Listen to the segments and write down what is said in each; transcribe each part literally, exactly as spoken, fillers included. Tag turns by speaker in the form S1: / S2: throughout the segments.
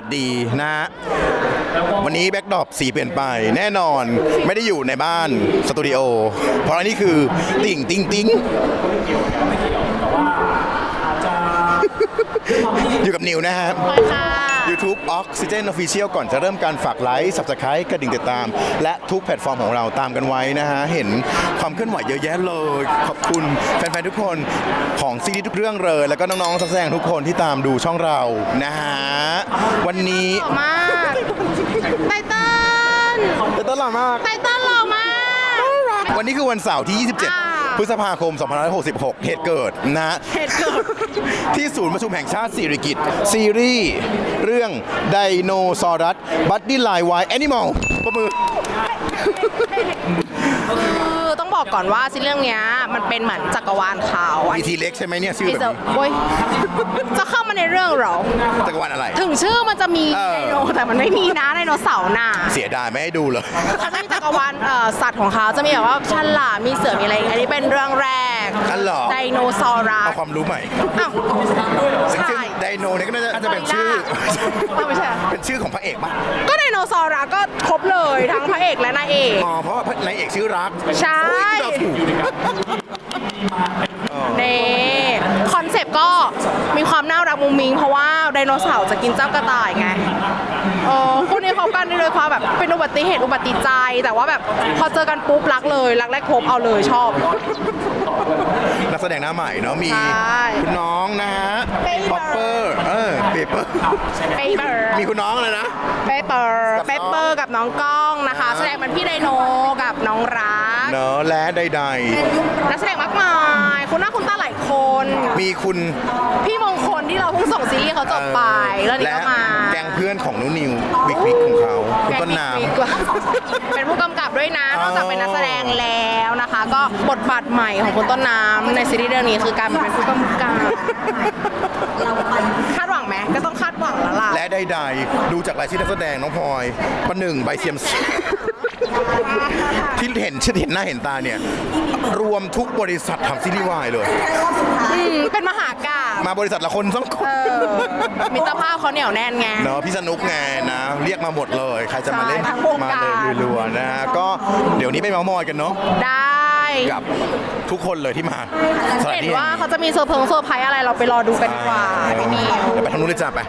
S1: ดีนะฮะวันนี้แบ็คดรอปสีเปลี่ยนไปแน่นอนไม่ได้อยู่ในบ้านสตูดิโอเพราะอันนี้คือติ่งติ่งติ่งอยู่กับนิวนะครับ YouTube Oxygen Official ก่อนจะเริ่มการฝากไลค์ Subscribe กระดิ่งติดตามและทุกแพลตฟอร์มของเราตามกันไว้นะฮะเห็นความเคลื่อนไหวเยอะแยะเลยขอบคุณแฟนๆทุกคนของซีรีส์ทุกเรื่องเลยแล้วก็น้องๆนักแสดงทุกคนที่ตามดูช่องเรานะฮะวันนี้
S2: มากไตเติ้ล
S1: ไตเติ้ลหล่อมาก
S2: ไตเติ้ลหล่อมาก
S1: วันนี้คือวันเสาร์ที่ ยี่สิบเจ็ด พฤษภาคม สองพันห้าร้อยหกสิบหก เหตุเกิดนะ
S2: เหตุเกิด
S1: ที่ศูนย์ประชุมแห่งชาติสิริกิติ์ซีรีส์เรื่องไดโนซอรัสบัดดี้ไลน์ไวแอนิมอลประมือ
S2: คือต้องบอกก่อนว่าซีรีส์เรื่องนี้มันเป็นเหมือนจักรวาลเขา
S1: มีทีเล็กใช่ไหมเนี่ยชื่อแบบนี้
S2: โอ้ยจะเข้ามาในเรื่องเหรอ
S1: จักรวาลอะไร
S2: ถึงชื่อมันจะมีไดโนแต่มันไม่มีนะไดโนเสาร์น่ะ
S1: เสียดายไม่ให้ดูเลย
S2: เขาจะมีจักรวาลสัตว์ของเขาจะมีแบบว่าฉลามมีเสือมีอะไรอันนี้เป็นเรื่องแรกไดโนเสาร์
S1: เอาความรู้ใหม่
S2: อ้าวใช่
S1: ไดโนเนี่ยก็น่าจะเป็นชื่อ
S2: ไม่ใช่
S1: เป็นชื่อของพระเอกป่ะ
S2: ก็ไดโนเสาร์ก็ครบเลยทั้งพระเอกและนายเอก
S1: อ๋อเพราะนายเอกชื่อรัก
S2: ใช่นี่คอนเซปต์ก็มีความน่ารักมุ้งมิ้งเพราะว่าไดโนเสาร์จะกินเจ้ากระต่ายไงเออคู่นี้เขากันได้เลยความแบบเป็นอุบัติเหตุอุบัติใจแต่ว่าแบบพอเจอกันปุ๊บรักเลยรักแรกพบเอาเลยชอบ
S1: นักแสดงหน้าใหม่เนาะมีคุณน้องนะฮะป๊อปเปอร์เออเปเปอร์
S2: เปเปอร์
S1: มีคุณน้องเลยนะ
S2: เปเปอร์เปเปอร์กับน้องก้องนะคะแสดงเป็นพี่ไดโนกับน้องรัก
S1: เนอะและใด
S2: ๆนักแสดงมากมายคุณหน้าคุณตาหลายคน
S1: มีคุณ
S2: พี่มงคลที่เราเพิ่งส่งซีรีส์เขาจบไปแล้วนี่ก็มา
S1: แกงเพื่อนของนุนิวบิ๊กบิ๊กของเขาคุณต้นน้
S2: ำเป็นผู้กำกับด้วยนะนอกจากเป็นนักแสดงแล้วนะคะก็บทบาทใหม่ของคุณต้นน้ำในซีรีส์เรื่องนี้คือการเป็นผู้กำกับคาดหวังไหมก็ต้องคาดหวังแล้วล่ะ
S1: และใดๆดูจากรายชื่อนักแสดงน้องพลอยประหนึ่งใบเซียมซีที่เห็นชื่อเห็นหน้าเห็นตาเนี่ยรวมทุกบริษัททำซีรีส์วายเลย
S2: เป็นมหากาพย์
S1: มาบริษัทละคนสองคน
S2: มิตรภาพเขาเหนียวแน่นไง
S1: เนาะพี่สนุกไงนะเรียกมาหมดเลยใครจะมาเล่นมาเลยรัวๆนะฮะก็เดี๋ยวนี้ไปเมาส์มอยกันเนาะ
S2: ได้
S1: กับทุกคนเลยที่มา
S2: เห็นว่าเขาจะมีเซอร์เพิงเซอร์ไพรส์อะไรเราไปรอดูกันดีกว่าพี่นิว
S1: เดี๋ยวไปทางนู้นเลยจ้ะไป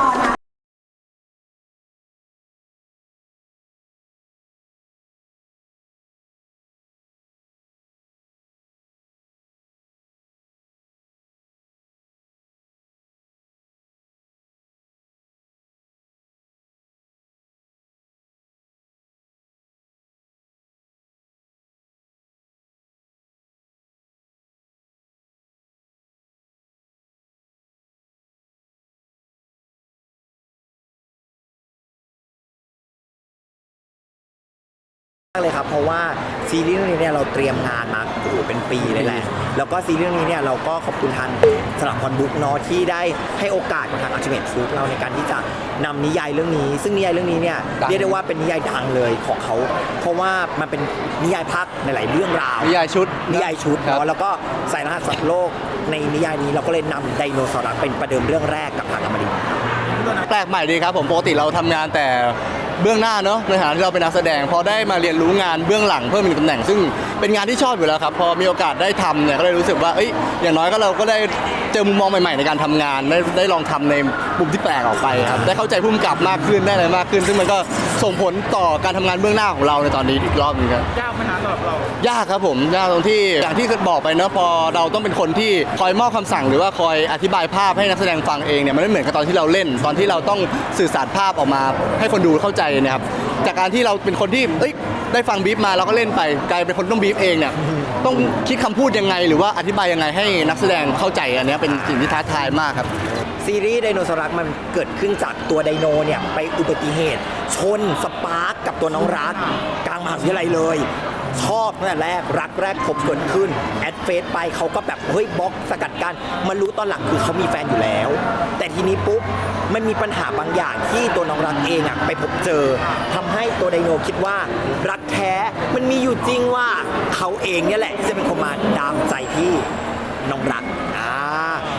S3: เลยครับเพราะว่าซีรีส์เรื่องนี้เนี่ยเราเตรียมงานมาโอ้โหเป็นปีเลยแหละแล้วก็ซีรีส์เรื่องนี้เนี่ยเราก็ขอบคุณทางสลับคอนบุ๊กเนาะที่ได้ให้โอกาสกับทางอัลติเมทฟู้ดเราในการที่จะนำนิยายเรื่องนี้ซึ่งนิยายเรื่องนี้เนี่ยเรียกได้ว่าเป็นนิยายดังเลยของเขาเพราะว่ามันเป็นนิยายพักในหลายเรื่องราว
S4: นิยายชุด
S3: นิยายชุดเนาะแล้วก็ใส่รหัสสัตว์โลกในนิยายนี้เราก็เลยนำไดโนเสาร์เป็นประเดิมเรื่องแรกกับทางอมรินทร์
S4: แปลกใหม่ดีครับผมปกติเราทำงานแต่เบื้องหน้าเนาะในฐานะที่เราเป็นนักแสดงพอได้มาเรียนรู้งานเบื้องหลังเพิ่มอีกตำแหน่งซึ่งเป็นงานที่ชอบอยู่แล้วครับพอมีโอกาสได้ทำเนี่ยก็เลยรู้สึกว่าเอ้ยอย่างน้อยก็เราก็ได้เจอมุมมองใหม่ๆในการทำงานได้ได้ลองทำในมุมที่แปลกออกไปครับได้เข้าใจผู้กำกับมากขึ้นได้อะไรมากขึ้นซึ่งมันก็ส่งผลต่อการทำงานเบื้องหน้าของเราในตอนนี้อีกรอบนึงครับ
S5: ยากไหมฮะสำหรับเรา
S4: ยากครับผมยากตรงที่อย่างที่บอกไปเนาะพอเราต้องเป็นคนที่คอยมอบคำสั่งหรือว่าคอยอธิบายภาพให้นักแสดงฟังเองเนี่ยมันไม่เหมือนกับตอนที่เราเล่นตอนที่เราต้องสื่อสารภาพออกมาให้คนดูเข้าใจนะครับจากการที่เราเป็นคนที่เอ้ยได้ฟังบีฟมาเราก็เล่นไปกลายเป็นคนต้องบีฟเองเนี่ยต้องคิดคำพูดยังไงหรือว่าอธิบายยังไงให้นักแสดงเข้าใจอันนี้เป็นสิ่งที่ท้าทายมากครับ
S3: ซีรีส์ไดโนเสาร์รักมันเกิดขึ้นจากตัวไดโนเนี่ยไปอุบัติเหตุชนสปาร์กกับตัวน้องรักกลางมหาวิทยาลัยเลยชอบตั้งแต่แรกรักแรกพบเกิดขึ้นแอดเฟซไปเขาก็แบบเฮ้ยบล็อกสกัดกันมารู้ตอนหลังคือเขามีแฟนอยู่แล้วแต่ทีนี้ปุ๊บมันมีปัญหาบางอย่างที่ตัวน้องรักเองอะไปพบเจอทำให้ตัวไดโนคิดว่ารักแท้มันมีอยู่จริงว่าเขาเองเนี่ยแหละที่จะเป็นคนมาดามใจที่น้องรักอ่า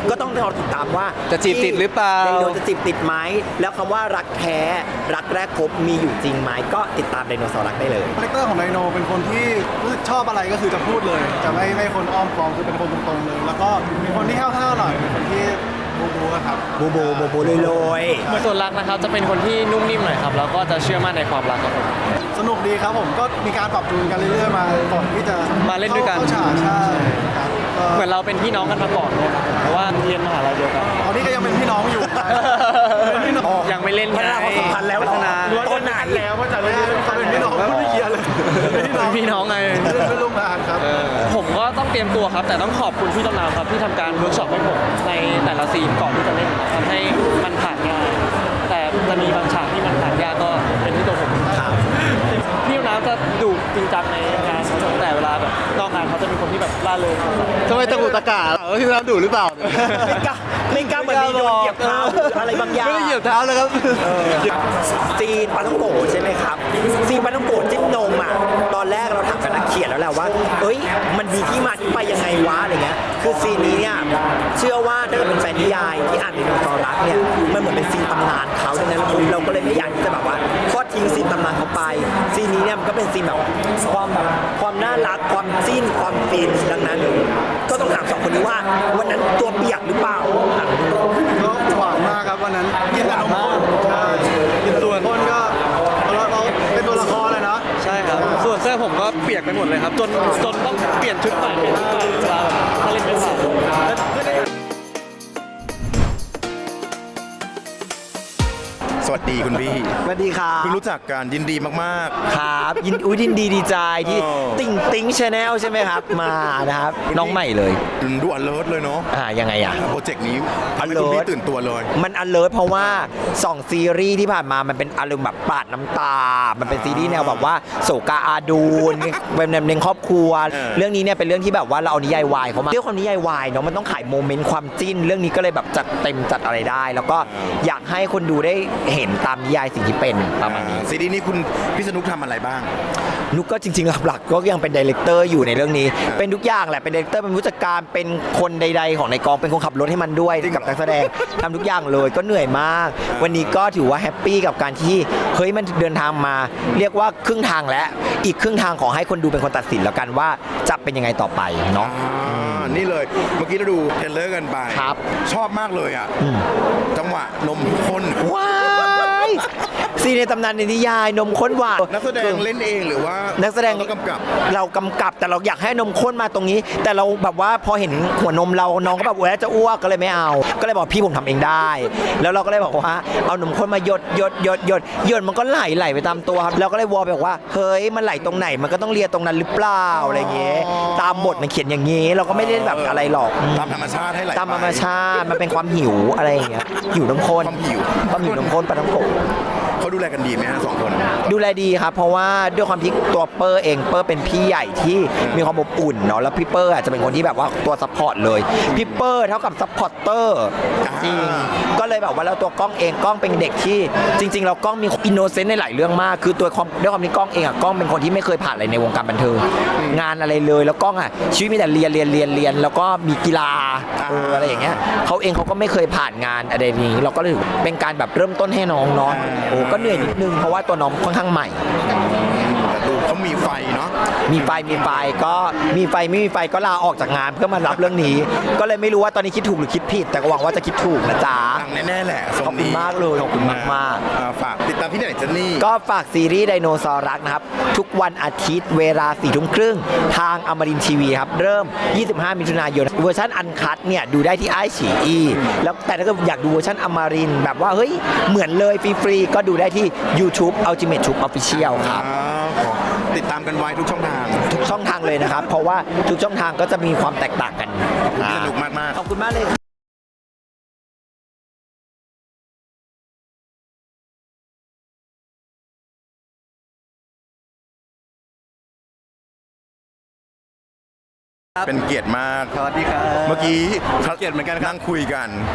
S3: ก็ต้องรอติดตามว่า
S4: จะจีบติดหรือเปล่า
S3: ไดโนจะจีบติดไหมแล้วคำว่ารักแท้รักแรกพบมีอยู่จริงไหมก็ติดตามไดโนเสาร์รักได้เลย
S5: คาแรคเตอร์ของไดโนเป็นคนที่รู้สึกชอบอะไรก็คือจะพูดเลย จะไม่ไม่คนอ้อมค้อมคือเป็นคนตรงๆเลย แล้วก็เป็นคนที่ห้าวๆหน่อยเป็นคนที่บูบูอะครับ
S3: โบโบโบโบลอยๆ
S6: ส่วนรักนะครับจะเป็นคนที่นุ่มนิ่มหน่อยครับแล้วก็จะเชื่อมั่นในความรักครับผม
S5: สนุกดีครับผมก็มีการปรับจูนกันเรื่อยๆมาก่อนที่จะ
S6: มาเล่นด้วยกัน
S5: เข้าฉากใช่ครับก็
S6: เหมือนเราเป็นพี่น้องกันมาก่อนเนี่ยครับเพราะว่าเรียนมหาลัยเดียวกัน
S5: ตอนนี้ก็ยังเป็นพี่น้องอยู่เป็นพี่น้อง
S6: ยังไม่เล่น
S3: พัฒนาความสัมพันธ์แล้ว
S6: พัฒนา
S3: ตอนไหน
S5: แล้วว่าจะเล่นเขาเป็นพี่น้องไม่เคลียร์เลยเป็นพี่น้อง
S6: พี่น้องไง
S5: เล่นเป็นร่วมงานครับ
S6: ผมก็ต้องเตรียมตัวครับ แต่ต้องขอบคุณพี่ต้นน้ำครับที่ทำการเวิร์กช็อปให้ผมในแต่ละซีนก่อนที่จะเล่นทำให้มันผ่านง่ายแต่จะมีบางฉากที่มันผ่านยากก็เป็นที่ตัวผมพี่ต้นน้ำจะดุจริงจังในงานครับแต่เวลาแบบนอกงานเขาจะเป็นคนที่แบบล่าเริงครับ
S4: ทำไมตะกุกตะกาเออที่เราดูหรือเปล่า
S3: ไม่กล้าไม่กล้าเหมือนมีโดนเหยียบเท้าหรืออะไรบางอย่าง
S4: ไม่ได้เหยียบเท้าเลยครับ
S3: ซีนปาท่องโกะใช่ไหมครับซีนปาท่องโกะจิ้มนมอ่ะตอนแรกเราถามกับนักเขียนแล้วแหละว่าเอ้ยมันมีที่มาที่ไปยังไงวะอะไรเงี้ยคือซีนนี้เนี่ยเชื่อว่าถ้าเกิดเป็นแฟนนิยายที่อ่านในดวงตอรักเนี่ยมันเหมือนเป็นซีนตำนานเขาดังนั้นเราเราก็เลยไม่อยากที่จะแบบว่าทอดทิ้งซีนตำนานเขาไปซีนนี้เนี่ยมันก็เป็นซีนแบบความแบบความน่ารักความจิ้นความฟินดังนั้น ก็ต้องถามสองคนนี้ว่าวันนั้นตัวเปียกหรือเปล่า
S5: ก็หวานมากครับวันนั้นกินแต่นมข้นใช่กินส่วนข้นก็เราเราเป็นตัวละครเลยเนาะ
S6: ใช่ครับ ส่วนเสื้อผมก็เปียกไปหมดเลยครับ จนจนต้องเปลี่ยนชุดใหม่เปลี่ยนชุดใหม่เวลาแบบถ้าเล่นไม่ผ่าน
S1: สวัสดีคุณพี่
S3: สวัสดีครับ
S1: เพิ่งรู้จักกันยินดีมาก
S3: ครับยินอุ้ยยินดีดีใจที่
S1: เออ
S3: ติ่งติ่งชาแนลใช่ไหมครับ มานะครับ น้องใหม่เลย
S1: ๆดูอเลิร์เลยเนาะ
S3: อ่ายังไงอ่ะ
S1: โปรเจกต์นี้ทำให้คุณ
S3: alert
S1: พี่ตื่นตัวเลย
S3: มัน alert เพราะว่าสองซีรีส์ที่ผ่านมามันเป็นอารมณ์แบบปาดน้ำตา มันเป็นซีรีส์แนวแบบว่าโศกาอาดูน เป็นแนวเน้นครอบครัว
S1: เออ
S3: เรื่องนี้เนี่ยเป็นเรื่องที่แบบว่าเราเอานิยายวายเขามาเรื่องความนิยายวายเนาะมันต้องขายโมเมนต์ความจิ้น เรื่องนี้ก็เลยแบบจัดเต็มจัดอะไรได้ แล้วก็อยากให้คนดูได้เห็นตามนิยายสิ่งที่เป็นประมาณนี้
S1: ซีรีส์นี้คุณพี่สนุกทำอะไรบ้าง
S3: นุกก็จริงๆหลักๆก็ยังเป็นดีเลกเตอร์อยู่ในเรื่องนี้ เป็นทุกอย่างแหละเป็นดีเลกเตอร์เป็นผู้จัดการเป็นคนใดๆของในกองเป็นคนขับรถให้มันด้วย
S1: จริงเหรอ
S3: กับนักแสดงทำทุกอย่างเลยก็เหนื่อยมาก วันนี้ก็ถือว่าแฮปปี้กับการที่เฮ้ยมันเดินทางมา เรียกว่าครึ่งทางแล้วอีกครึ่งทางขอให้คนดูเป็นคนตัดสินแล้วกันว่าจะเป็นยังไงต่อไปเนาะ
S1: อ่านี่เลยเมื่อกี้เราดูเทรลเลอร์กันไป
S3: ครับ
S1: ชอบมากเลยอ่ะ
S3: อืม
S1: จังหวะนมข้น
S3: ว้ายซีในตำนานในนิยายนมข้นหวาน
S1: นักแสดงเล่นเองหรือว่า
S3: นั
S1: นั
S3: กแสดง
S1: กำกับ
S3: เรากำกับแต่เราอยากให้นมข้นมาตรงนี้ แต่เราแบบว่าพอเห็นหัวนมเราน้องก็แบบแหวะจะอ้วกก็เลยไม่เอา ก็เลยบอกพี่ผมทำเองได้ แล้วเราก็เลยบอกว่าเอานมข้นมาหยดหยดหยดหยดหยดมันก็ไหลไหลไปตามตัวครับเราก็เลยวอลไปบอกว่าเฮ้ยมันไหลตรงไหนมันก็ต้องเลียตรงนั้นหรือเปล่าอะไรเงี้ยตามบทมันเขียนอย่างงี้ เราก็ไม่ได้แบบอะไรหรอก
S1: ตามธรรมชาติให้ไหล
S3: ตามธรรมชาติมันเป็นความหิวอะไรอย่างเงี้ยหิวนมข้น
S1: ความหิว
S3: ความหิวนมข้นปลาท้องโกะ
S1: เขาดูแลกันดีไหมฮะสองคน
S3: ดูแลดีครับ เพราะว่าด้วยความที่ตัวเปอร์เองเปอร์เป็นพี่ใหญ่ที่มีความอบอุ่นเนาะแล้วพี่เปอร์อาจจะเป็นคนที่แบบว่าตัวซัพพอร์ตเลยพี่เปอร์เท่ากับซัพพอร์ตเตอร์จริงก็เลยแบบว่าแล้วตัวกล้องเองกล้องเป็นเด็กที่จริง ๆ เรากล้องมีอินโนเซนต์ในหลายเรื่องมาก คือตัวความด้วยความที่กล้องเองอะกล้องเป็นคนที่ไม่เคยผ่านอะไรในวงการบันเทิงงานอะไรเลยแล้วกล้องอะชีวิตมีแต่เรียนเรียนเรียนเรียนแล้วก็มีกีฬาเอออะไรอย่างเงี้ยเขาเองเขาก็ไม่เคยผ่านงานอะไรนี้เราก็เลยเป็นการแบบเริ่มต้นให้น้องเนาะโอ้ก็เหนื่อยนิดนึงเพราะว่าตัวน้องค่อนข้างใหม่
S1: แต่ดูเขามีไฟเนาะ
S3: มีไฟมีไฟก็มีไฟไม่มีไฟก็ลาออกจากงานเพื่อมารับเรื่องนี้ ก็เลยไม่รู้ว่าตอนนี้คิดถูกหรือคิดผิด แต่ก็หวังว่าจะคิดถูกนะจ๊ะ
S1: ดังแน่ๆแหละทรง
S3: ขอบคุณ
S1: นี้
S3: มากเลยขอบคุณมากๆ
S1: อ่ฝากติดตามที่ไหนเจนนี่
S3: ก็ฝากซีรีส์ไดโนเสาร์รักนะครับ ทุกวันอาทิตย์เวลาสี่ทุ่มครึ่งทางอมรินทร์ทีวีครับ เริ่ม ยี่สิบห้า มิถุนายนเวอร์ชันอันคัทเนี่ยดูได้ที่ไอฉีอีแล้วแต่ถ้าเกิดอยากดูเวอร์ชันอมรินทร์แบบว่าเฮ้ยเหมือนเลยฟรีๆก็ดูได้ที่ YouTube Ultimate Troop Official ครับ
S1: อ่าขอติดตามกันไว้ทุกช่องทาง
S3: ทุกช่องทางเลยนะครับ เพราะว่าทุกช่องทางก็จะมีความแตกต่างกัน
S1: สนุกมากๆ
S3: ขอบคุณมากเลย
S1: เป็นเกียรติมาก
S4: สวัสดีครับ
S1: เมื่อกี้
S4: เกียรติเหมือนกันครับ
S1: นั่งคุยกัน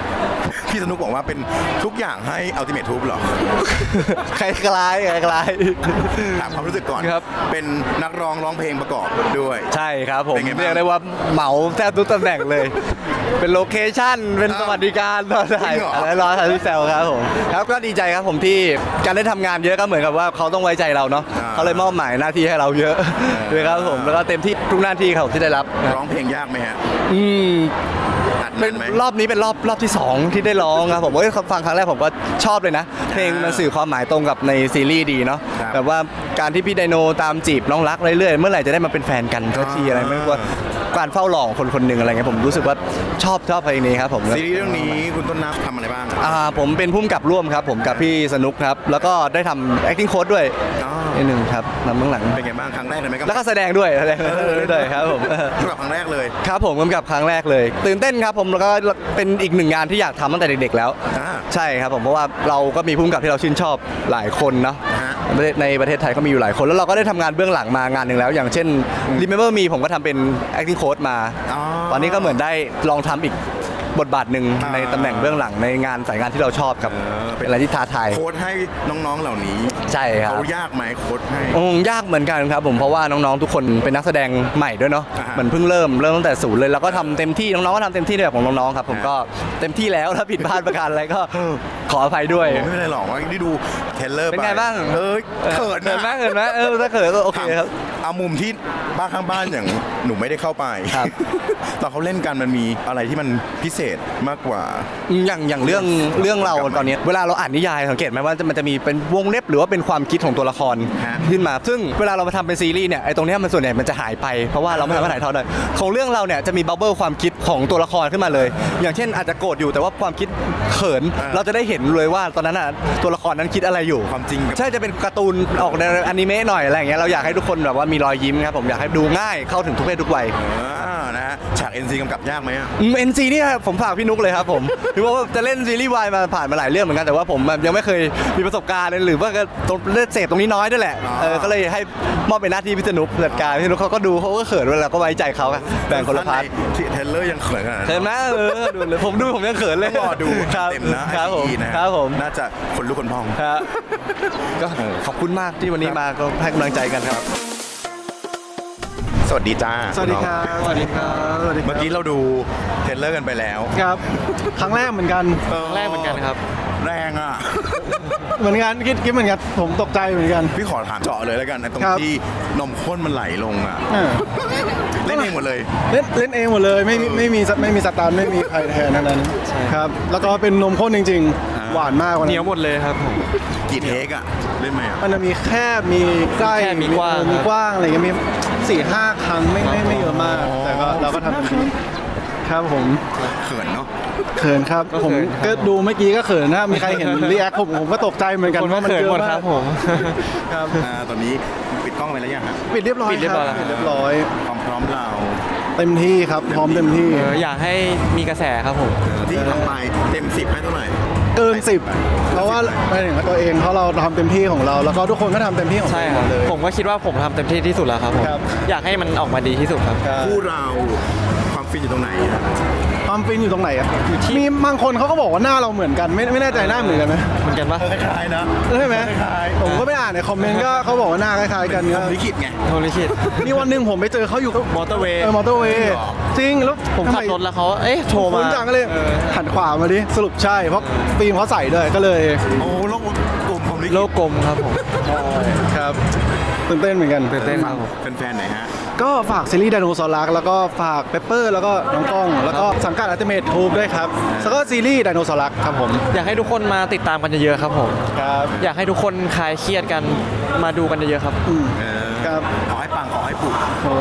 S1: พี่สนุกบอกว่าเป็นทุกอย่างให้ Ultimate Troop เหรอ
S4: คล้ายๆคล้าย
S1: ถามความรู้สึกก่อน
S4: ครับ
S1: เป็นนักร้องร้องเพลงประกอบด้วย
S4: ๆใช่ครับผม
S1: เป็นไงบ้าง
S4: เรียกได้ว่าเหมาแทบทุกตำแหน่งเลย เป็นโลเคชั่นเป็นสวัสดิการตอนถ่าย
S1: จริงเหรอ
S4: อะไรรอถ่ายที่แซวครับผมครับก็ดีใจครับผมที่การได้ทำงานเยอะก็เหมือนกับว่าเขาต้องไว้ใจเราเนาะเขาเลยมอบหมายหน้าที่ให้เราเยอะด้วยครับผมแล้วก็เต็มที่ทุกหน้าที่ครับที่ได้รับ
S1: ร้องเพลงยากไหมฮะ
S4: อืม
S1: อัด
S4: เป็
S1: แน่
S4: น
S1: นไหม
S4: รอบนี้เป็นรอบรอบที่สองที่ได้ร้องครับผมเอ้ยฟังครั้งแรกผมก็ชอบเลยนะ เพลงมันสื่อความหมายตรงกับในซีรีส์ดีเนาะ
S1: ครับ
S4: แบบว่าการที่พี่ไดโนตามจีบน้องรักเรื่อยๆเมื่อไหร่จะได้มาเป็นแฟนกันสักทีอะไรไม่รู้ว่าการเฝ้าหลอกคนคนหนึ่งอะไรเงี้ยผมรู้สึกว่าชอบชอบเพลงนี้ครับผม
S1: ซีรีส์เรื่องนี้คุณต้นน้ำทำอะไรบ้างอะ
S4: อ่าผมเป็นผู้กำกับร่วมครับผมกับพี่สนุกครับแล้วก็ได้ทำ acting coach ด้วย
S1: อ๋อ
S4: นิดหนึ่งครับนำเบื้องหลัง
S1: เป็นไงบ้างครั้งแรกเลยไหมครับ
S4: แล้วก็แสดงด้วยแสดงด้วยครับผม
S1: สำหรับครั้งแรกเลย
S4: ครับผมกำกับครั้งแรกเลย ตื่นเต้นครับผมแล้วก็เป็นอีกหนึ่งงานที่อยากทำตั้งแต่เด็กๆแล้ว
S1: อ่า
S4: ใช่ครับผมเพราะว่าเราก็มีผู้กำกับที่เราชื่นชอบหลายคนเนาะ
S1: ฮะ
S4: ประเทศในประเทศไทยก็มีอยู่หลายคน แล้วเราก็ได้ทำงานเบื้องหลังมางานหนึ่งแล้ว อย่างเช่น Remember Me ผมก็ทำเป็น acting coach มา
S1: อ๋อ
S4: ตอนนี้ก็เหมือนได้ลองทำอีกบทบาทหนึ่ง
S1: อ่า
S4: ในตำแหน่งเบื้องหลังในงานสายงานที่เราชอบครับ
S1: เออ
S4: เป็นอะไรที่ท้าทาย
S1: โค้ดให้น้องๆเหล่านี้
S4: ใช่ครับ
S1: เขายากไหมโค้ดให้
S4: อืมยากเหมือนกันครับผมเพราะว่าน้องๆทุกคนเป็นนักแสดงใหม่ด้วยเนาะ
S1: อ่าฮะ
S4: เหมือนเพิ่งเริ่มเริ่มตั้งแต่ศูนย์เลยแล้วก็ทำเต็มที่น้องๆก็ทำเต็มที่ในแบบของน้องๆครับผม
S1: ฮะ
S4: ก็เต็มที่แล้วถ้าผิดพลาดประการอะไรก็ขออภัยด้วย
S1: ไม่เป็นไรหรอกว่าได้ดูเทรลเลอร์
S4: เป็น
S1: ไป
S4: ไงบ้าง
S1: เอ้ยเขิน
S4: เขินไหม
S1: นะ
S4: เขินไหมเออถ้าเขินก็โอเคครับ
S1: เอามุมที่บ้านข้างบ้านอย่างหนูไม่ได้เข้าไป
S4: ครับ
S1: ตอนเขาเล่นกันมันมีอะไรที่มันพิเศษมากกว่า
S4: อย่างอย่างเรื่องเรื่องเราตอนนี้เวลาเราอ่านนิยายสังเกตไหมว่ามันจะมีเป็นวงเล็บหรือว่าเป็นความคิดของตัวละคร
S1: ฮะ
S4: ขึ้นมา ซึ่งเวลาเรามาทำเป็นซีรีส์เนี่ยไอ้ตรงเนี้ยมันส่วนใหญ่มันจะหายไปเพราะว่าเราไม่สามารถถ่ายทอดได้ของเรื่องเราเนี่ยจะมีบับเบิลความคิดของตัวละครขึ้นมาเลย อย่างเช่นอาจจะโกรธอยู่แต่ว่าความคิดเขิน
S1: อ่า
S4: เราจะได้เห็นเลยว่าตอนนั้นอ่ะตัวละครนั้นคิดอะไรอยู่
S1: ความจริงกับ
S4: ใช่จะเป็นการ์ตูนออกในอนิเมะหน่อยอะไรอย่างเงี้ยเราอยากให้ทุกคนแบบว่ามีรอยยิ้มครับผมอยากให้ดูง่ายเข้าถึงทุกเพศทุกวัย
S1: อ่านะฮะฉาก เอ็น ซี กำกับยากไหมอะ
S4: เอ็นซีนี่ผมฝากพี่นุกเลยครับผม พี่ว่าจะเล่นซีรีส์วายมาผ่านมาหลายเรื่องเหมือนกันแต่ว่าผมแบบยังไม่เคยมีประสบการณ์เลยหรือว่าก็ตรงเล่นเสพตรงนี้น้อยด้วยแหละเออก็เลยให้มอบเป็นหน้าที่พี่สนุกจัดการพี่นุกเขาก็ดูเขาก็เขินเวลาก็ไว้ใจเขาอะแบ่งคนละพาร์ท
S1: ที่เทรลเลอร์ยังเขินขนาดนั้น
S4: เขินนะเออดูเลยผมดูผมยังเขินเลย
S1: ต้องรอดู
S4: ครับ
S1: เต็มนะครับ
S4: ผม
S1: ไอ นะฮะ
S4: ครับผม
S1: น่าจะคนลุกคนพอง
S4: ครับก็ขอบคุณมากที่วันนี้มาก็ให้กำลังใจกันครับ
S1: สวัสดีจ้า
S5: สวัสดีครับ สวัสดีครับสวัสดีครับ
S1: เมื่อกี้เราดูเทรลเลอร์กันไปแล้ว
S5: ครับ ครั้งแรกเหมือนกัน
S1: ครั้ง
S6: แรกเหมือนกันครับ
S1: แรงอ่ะ
S5: เหมือนกันคิดคิดเหมือนกันผมตกใจเหมือนกัน
S1: พี่ขอถามเจาะเลยแล้วกันไอ้ตรง
S5: ครับ
S1: ที่นมข้นมันไหลลงอ่ะ
S5: เออ
S1: เล่นเองหมดเลย
S5: เล่นเล่นเองหมดเลยไม่มีไม่มีไม่มีสตาร์ไม่มีใครแทนทั้งนั้นครับ แล้วก็เป็นนมข้นจริง
S1: อ่า
S5: ๆ หวานมากวัน
S6: เหนี
S5: นั้
S6: ยวน หมดเลยครับผม
S1: กี่เทคอ่ะ เล่นไหมอ่ะ
S5: มันจะมีแคบมีใกล้
S6: แคบมีกว้าง
S5: มีกว้างอะไรอย่างเงี้ยมีสี่ห้าครั้งไม่ไม่ไม่เยอะมาก
S1: อ๋อ
S5: แต่ก็เราก็ทำเต็มที่ครับผม
S1: เขินเนาะ
S5: เขินครับ
S6: ก็เขิน
S5: ผมก็ดูเมื่อกี้ก็เขินนะมีใครเห็นรีแอคผมผมก็ตกใจเหมือนกัน
S6: คนก็
S5: ว่ามัน
S6: เขิน
S5: เยอะ
S6: หมด
S5: มา
S6: ค
S5: ก
S6: รับผม
S5: ครับ
S1: อ่าตอนนี้ปิดกล้องไปแล้วยังฮะ
S5: ปิดเรียบร้อย
S6: ปิดเรียบร้อย
S5: ค
S6: แล้ว
S5: ปิดเรียบร้อย
S1: ความพร้อมเรา
S5: เต็มที่ครับพร้อมเต็มที่
S6: เอออยากให้มีกระแสครับผม
S1: ที่ทำไปเต็มสิบให้เท่าไหร่
S5: เกินสิบเพราะว่าไม่ถึงกับตัวเองเพราะเราทำเต็มที่ของเรา แล้วก็ทุกคนก็ทำเต็มที่ของ
S6: ใช่
S5: ตัวเอง
S6: ค
S5: ห
S6: รับ
S5: มดเลย
S6: ผมก็คิดว่าผมทำเต็มที่ที่สุดแล้วครับผม
S5: ครับ
S6: อยากให้มันออกมาดีที่สุดครับ
S5: ครับ
S1: คู่เราความฟินอยู่ตรงไหนอะ
S5: ความฟินอยู่ตรงไหนอ่ะ
S6: อยู่ที่
S5: มีบางคนเขาก็บอกว่าหน้าเราเหมือนกัน ไม่ไม่แน่ใจหน้าเหมือนกันไหม
S6: เหมือนกันปะ
S1: คล้ายๆนะ
S5: ใช่ไหม
S1: คล้ายๆ
S5: ผมก็ไปอ่านในคอมเมนต์ก็เขาบอกว่าหน้าคล้ายๆกัน
S1: ผ
S5: ก็
S1: มลิขิตไง
S6: โทรลิขิต
S5: มีวันหนึ่งผมไปเจอเขาอยู่
S6: มอเตอร์เวย์
S5: เออมอเตอร์เวย์จริงแล้ว
S6: ผมขับรถแล้วเขาเอ๊ะโทร
S5: คุ
S6: มา
S5: ณจังก็เลย
S6: ออ
S5: หันขวามาดิสรุปใช่เพราะฟิล์มเขาใส่ด้วยก็เลย
S1: โอ้โลกกลมผมลิขิต
S6: โลกกลมครับผม
S5: ครับตื่นเต้นเหมือนกัน
S6: ตื่นเต้นครับผม
S1: เป็นแฟนไหนฮะ
S5: ก็ฝากซีรีส์ไดโนเสาร์รักแล้วก็ฝากเปปเปอร์แล้วก็น้องกล้อง แล้วก็สังกัดอัลติเมททูบด้วยครับแล้วก็ซีรีส์ไดโนเสาร์รักครับผม
S6: อยากให้ทุกคนมาติดตามกันเยอะๆครับผม
S5: ครับ
S6: อยากให้ทุกคนคลายเครียดกันมาดูกันเยอะๆครับ
S5: อืม
S1: เออ
S5: ครับ
S1: ขอให้ปังขอให้ปุก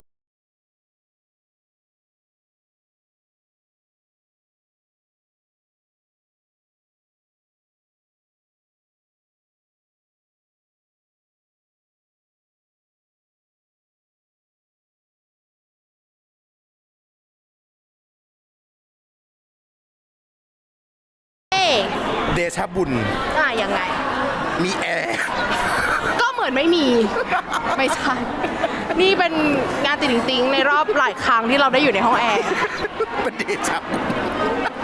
S1: เดชะบุญ
S2: อ่ะยังไง
S1: มีแอร์
S2: ก็เหมือนไม่มี ไม่ใช่ นี่เป็นงานติดติงๆในรอบหลายครั้งที่เราได้อยู่ในห้องแอร์
S1: เป็นเดชะบุญ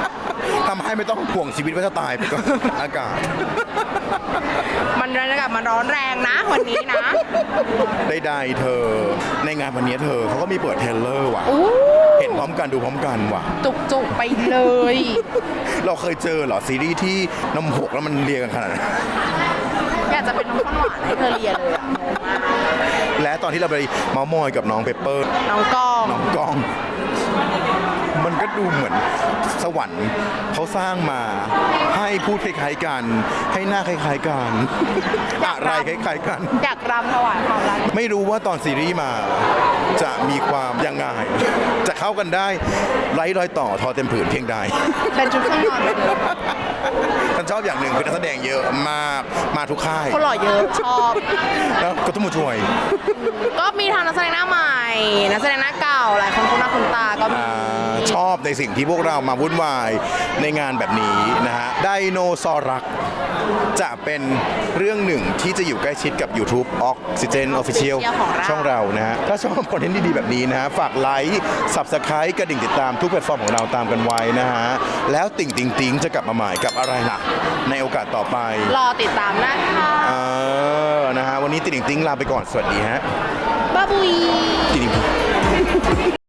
S1: ทำให้ไม่ต้องห่วงชีวิตว่าจะตายไปก็อากาศ
S2: มันบรรยากาศมันร้อนแรงนะวันนี้นะ
S1: ใดๆเธอ ในงานวันนี้เธอเขาก็มีเปิดเทรลเลอร์ว่ะ
S2: อู้
S1: เห็นพร้อมกันดูพร้อมกันว่ะ
S2: จุกๆไปเลย
S1: เราเคยเจอเหรอซีรีส์ที่น้ำหกแล้วมันเรียงกันขนาดนั้น
S2: อยากจะเป็นน้องข้นหวานให้เธอเรียนเลยอะงงมาก
S1: และตอนที่เราไปเมาส์มอยกับน้องเปเปอร์
S2: น้องกอง
S1: น้องกล้อง มันก็ดูเหมือนสวรรค์เขาสร้างมาให้พูดคล้ายๆกัน ให้หน้าคล้ายๆกัน อะไรคล้ายๆกัน
S2: อยากรำถวายความรัก
S1: ไม่รู้ว่าตอนซีรีส์มาจะมีความยังไง จะเข้ากันได้ไร้รอยต่อทอเต็มผืนเพียงใด
S2: เป็นชุดเครื่องนอนไปเลย
S1: ฉันชอบอย่างหนึ่งคือนักแสดงเยอะมากมาทุกค่าย
S2: คนหล่อเยอะชอบ
S1: แล้วก็ต้องมาช่วย
S2: ก็มีทางนักแสดงหน้าใหม่ นักแสดงหน้าเก่าหลายคนคุ้นหน้าคุ้นตาก็มี
S1: อ่าชอบในสิ่งที่พวกเรามาวุ่นวายในงานแบบนี้นะฮะไดโนซอรักจะเป็นเรื่องหนึ่งที่จะอยู่ใกล้ชิดกับ YouTube Oxygen Official
S2: ของเรา
S1: ช่องเรานะฮะถ้าชอบคอนเทนต์ดีๆแบบนี้นะฮะฝากไลค์ Subscribe กระดิ่งติดตามทุกแพลตฟอร์มของเราตามกันไว้นะฮะแล้วติ่งติงติงจะกลับมาใหม่กับอะไรล่ะ ในโอกาสต่อไป
S2: รอติดตามนะคะ
S1: เออนะฮะวันนี้ติ่งติงติงลาไปก่อนสวัสดีฮะ
S2: บ๊ายบาย
S1: ติ่งติง